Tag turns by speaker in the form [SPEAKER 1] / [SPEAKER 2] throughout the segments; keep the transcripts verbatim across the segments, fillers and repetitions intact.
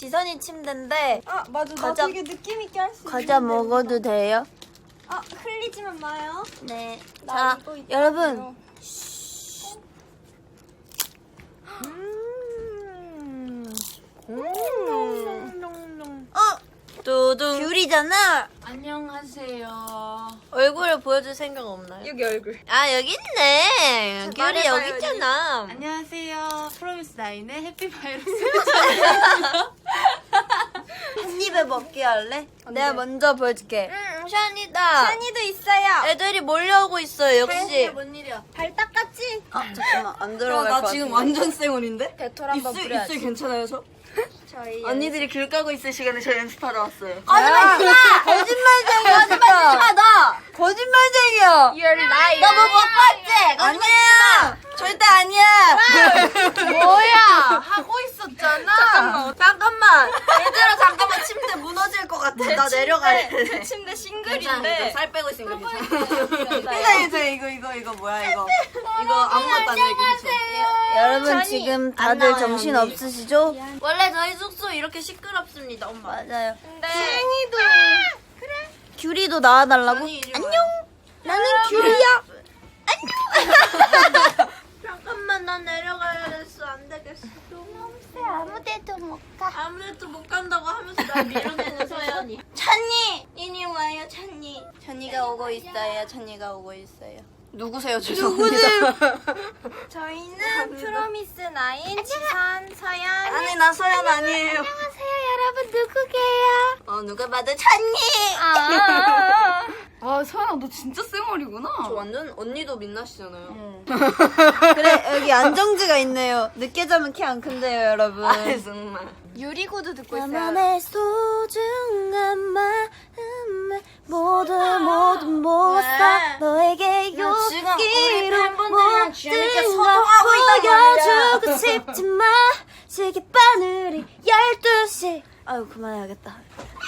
[SPEAKER 1] 지선이 침대인데.
[SPEAKER 2] 아 맞아.
[SPEAKER 1] 과자,
[SPEAKER 2] 나 되게 느낌 있게 할 수 있는.
[SPEAKER 1] 과자 먹어도 돼요?
[SPEAKER 2] 아 흘리지만 마요.
[SPEAKER 1] 네.
[SPEAKER 2] 나
[SPEAKER 1] 자,
[SPEAKER 2] 이거 있다.
[SPEAKER 1] 여러분.
[SPEAKER 2] 음.
[SPEAKER 1] 음. 어, 두둥. 귤이잖아.
[SPEAKER 3] 안녕하세요.
[SPEAKER 1] 얼굴을 보여줄 생각 없나요?
[SPEAKER 2] 여기 얼굴.
[SPEAKER 1] 아, 여기 있네. 귤이
[SPEAKER 2] 말해봐요,
[SPEAKER 1] 여기 있잖아.
[SPEAKER 3] 안녕하세요. 프로미스 나인의 해피바이러스.
[SPEAKER 1] 한 입에 먹기 할래? 내가 먼저 보여줄게. 음, 샤니다.
[SPEAKER 2] 샤니도 있어요.
[SPEAKER 1] 애들이 몰려오고 있어요, 역시.
[SPEAKER 3] 뭔 일이야?
[SPEAKER 2] 발 닦았지?
[SPEAKER 1] 아, 잠깐만. 안 들어갈 것 같아.
[SPEAKER 3] 완전 쌩얼인데?
[SPEAKER 2] 배털 한번 뿌려야지.
[SPEAKER 3] 괜찮아요, 저?
[SPEAKER 2] 저희
[SPEAKER 3] 언니들이 귤 까고 있을 시간에 저 연습하러 왔어요.
[SPEAKER 1] 거짓말이야! 거짓말쟁이야, 진짜.
[SPEAKER 2] 나.
[SPEAKER 1] 거짓말쟁이야.
[SPEAKER 2] You're lying.
[SPEAKER 1] 너 뭐 먹고 왔지? 아니야. 절대 아니야.
[SPEAKER 3] 뭐야? 하고 있었잖아.
[SPEAKER 1] 잠깐만. 잠깐만. 얘들아, 잠깐만. 침대 무너질 것 같아. 나 내려가야 돼.
[SPEAKER 2] 그 침대
[SPEAKER 3] 괜찮아,
[SPEAKER 2] 싱글인데.
[SPEAKER 3] 살 빼고 있으면 괜찮아.
[SPEAKER 1] 괜찮아, 이거, 이거, 이거 뭐야, 이거.
[SPEAKER 3] 이거 아무것도 안 되게 괜찮아.
[SPEAKER 1] 여러분,
[SPEAKER 2] 전이
[SPEAKER 1] 지금
[SPEAKER 3] 안
[SPEAKER 1] 다들
[SPEAKER 3] 나와요,
[SPEAKER 1] 정신
[SPEAKER 3] 언니.
[SPEAKER 1] 없으시죠?
[SPEAKER 3] 원래 저희 숙소 이렇게 시끄럽습니다, 엄마.
[SPEAKER 1] 맞아요.
[SPEAKER 2] 근데
[SPEAKER 1] 도 귤이도 나와달라고?
[SPEAKER 3] 아니, 이리
[SPEAKER 1] 안녕.
[SPEAKER 3] 와요.
[SPEAKER 1] 나는 귤이야.
[SPEAKER 3] 잠깐만, 난 내려가야 됐어. 안 되겠어.
[SPEAKER 1] 아무 데도 못 가.
[SPEAKER 3] 아무래도 못 간다고 하면서 날 밀어내는 서연이.
[SPEAKER 1] 찬이! 이리 와요, 찬이. 찬이가 오고 있어요, 찬이가 오고 있어요.
[SPEAKER 3] 누구세요, 죄송합니다.
[SPEAKER 2] 저희는 프로미스 나인, 지선, 서연.
[SPEAKER 1] 아니, 나 서연 아니에요.
[SPEAKER 2] 안녕하세요, 여러분 누구게요?
[SPEAKER 1] 어, 누가 봐도 찬이!
[SPEAKER 2] 아.
[SPEAKER 3] 아, 서연아, 너 진짜 쌩얼이구나. 저 완전 언니도 민낯이잖아요.
[SPEAKER 1] 그래, 여기 안정지가 있네요. 늦게 자면 키 안 큰데요, 여러분.
[SPEAKER 3] 아, 정말.
[SPEAKER 2] 유리구두 듣고 있어요.
[SPEAKER 1] 나만의 소중한 마음을 모두 모두 모았어. 너에게
[SPEAKER 3] 지금 우리
[SPEAKER 1] 여기로
[SPEAKER 3] 팬분들이랑 재밌게
[SPEAKER 1] 모든 걸
[SPEAKER 3] 소통하고 있단
[SPEAKER 1] 보여주고 싶지만 시계바늘이 열두 시. 아유, 그만해야겠다.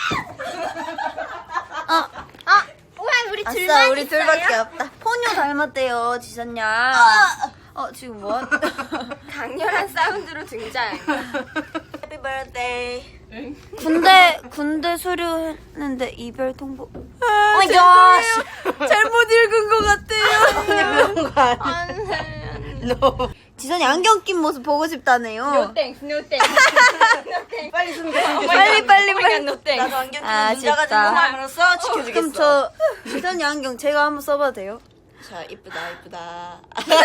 [SPEAKER 1] 아,
[SPEAKER 2] 아, 왜 우리 둘만
[SPEAKER 1] 아싸, 우리
[SPEAKER 2] 있어요?
[SPEAKER 1] 둘밖에 없다. 포뇨 닮았대요, 지선 양. 어, 지금 뭐?
[SPEAKER 2] 강렬한 사운드로 등장.
[SPEAKER 1] 해피 버스데이. 군대 군대 수료했는데 이별 통보. 오 마이 갓. 잘못 읽은 것 같아요. 그런 거 아니야. 지선이 안경 낀 모습 보고 싶다네요.
[SPEAKER 2] 노땡, 노땡.
[SPEAKER 3] 빨리 숨겨.
[SPEAKER 1] 빨리 빨리 빨리.
[SPEAKER 2] 노땡.
[SPEAKER 3] 나도 안경 끼는
[SPEAKER 1] 아,
[SPEAKER 3] 문자 가진
[SPEAKER 1] 진짜.
[SPEAKER 3] 사람으로서 지켜주겠어.
[SPEAKER 1] 그럼 저 지선이 안경 제가 한번 써봐도 돼요?
[SPEAKER 3] 자, 이쁘다, 이쁘다.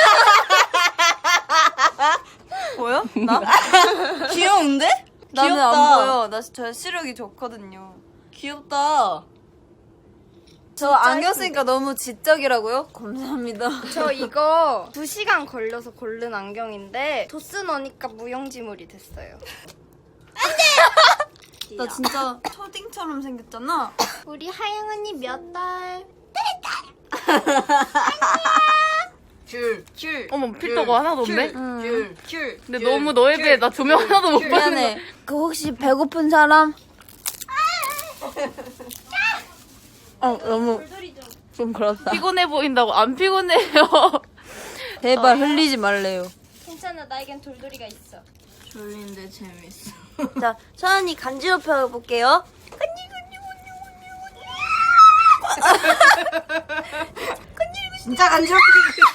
[SPEAKER 1] 보여? 나?
[SPEAKER 3] 귀여운데?
[SPEAKER 1] 나는
[SPEAKER 3] 귀엽다.
[SPEAKER 1] 안 보여. 나 저 시력이 좋거든요.
[SPEAKER 3] 귀엽다.
[SPEAKER 1] 저 안경 쓰니까 너무 지적이라고요? 감사합니다.
[SPEAKER 2] 저 이거 두 시간 걸려서 고른 안경인데 도스 넣으니까 무용지물이 됐어요.
[SPEAKER 1] 나 진짜 초딩처럼 생겼잖아.
[SPEAKER 2] 우리 하영 언니 몇 달?
[SPEAKER 3] 귤, 귤.
[SPEAKER 4] 어머 필터가 하나도 없네?
[SPEAKER 1] 응.
[SPEAKER 3] 귤, 귤.
[SPEAKER 4] 근데 너무 너에 비해 나 조명 하나도 못 봤는데
[SPEAKER 1] 미안해. 그 혹시 배고픈 사람? 어 너무 좀 그렇다.
[SPEAKER 4] 피곤해 보인다고 안 피곤해요.
[SPEAKER 1] 제발 흘리지 말래요.
[SPEAKER 2] 괜찮아, 나에겐 돌돌이가 있어.
[SPEAKER 3] 졸린데 재밌어.
[SPEAKER 1] 자, 서연이 간지럽혀 볼게요.
[SPEAKER 3] 진짜 간지럽게.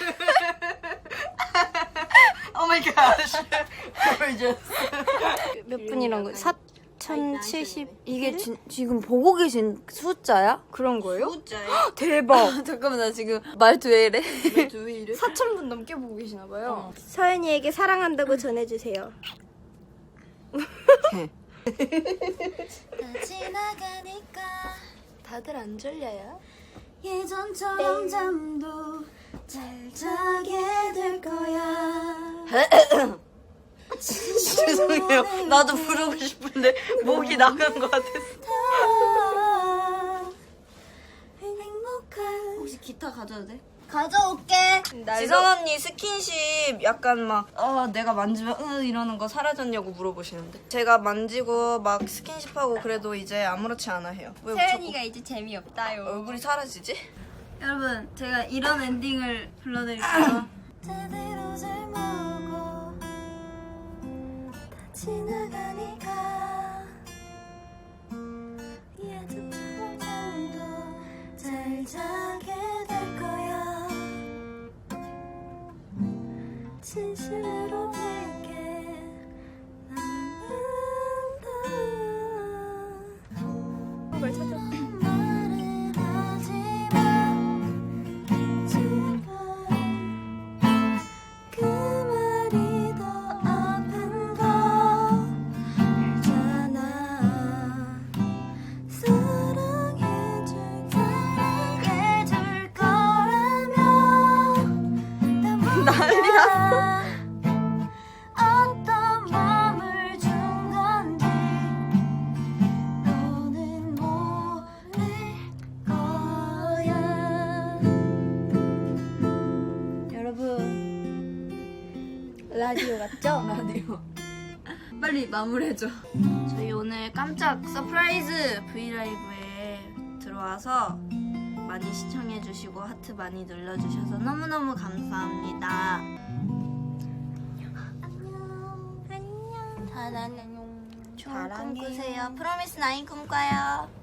[SPEAKER 3] 오 마이 갓. gorgeous.
[SPEAKER 2] 몇 분이란 거? 사천칠십
[SPEAKER 1] 이게 지, 지금 보고 계신 숫자야?
[SPEAKER 2] 그런 거예요?
[SPEAKER 3] 숫자에
[SPEAKER 1] 대박. 잠깐만 나 지금 말투 왜 이래?
[SPEAKER 3] 왜 이래?
[SPEAKER 2] 사천 분 넘게 보고 계시나 봐요. 서연이에게 사랑한다고 전해주세요.
[SPEAKER 1] 지나가니까
[SPEAKER 2] 다들 안 졸려요?
[SPEAKER 1] 예전처럼 잠도 잘 자게 될 거야.
[SPEAKER 3] 죄송해요. 나도 부르고 싶은데 목이 나간 것 같았어.
[SPEAKER 1] 행복한.
[SPEAKER 3] 혹시 기타 가져도 돼?
[SPEAKER 1] 가져올게.
[SPEAKER 3] 지선 언니 스킨십 약간 막 어, 내가 만지면 으 이러는 거 사라졌냐고 물어보시는데 제가 만지고 막 스킨십하고 그래도 이제 아무렇지 않아 해요. 왜
[SPEAKER 2] 서연이가 이제 재미없다요.
[SPEAKER 3] 자꾸 얼굴이 사라지지?
[SPEAKER 1] 여러분, 제가 이런 엔딩을 불러드릴게요. 제대로 잘 먹고 다 지나가니까
[SPEAKER 2] 라디오 같죠?
[SPEAKER 3] 라디오. 빨리 마무리해줘. 저희 오늘 깜짝 서프라이즈 브이라이브에 들어와서 많이 시청해주시고 하트 많이 눌러주셔서 너무너무 감사합니다. 안녕. 안녕.
[SPEAKER 1] 안녕. 좋은 꿈
[SPEAKER 3] 사랑해요.
[SPEAKER 1] 꾸세요. 프로미스 나인 꿈꿔요.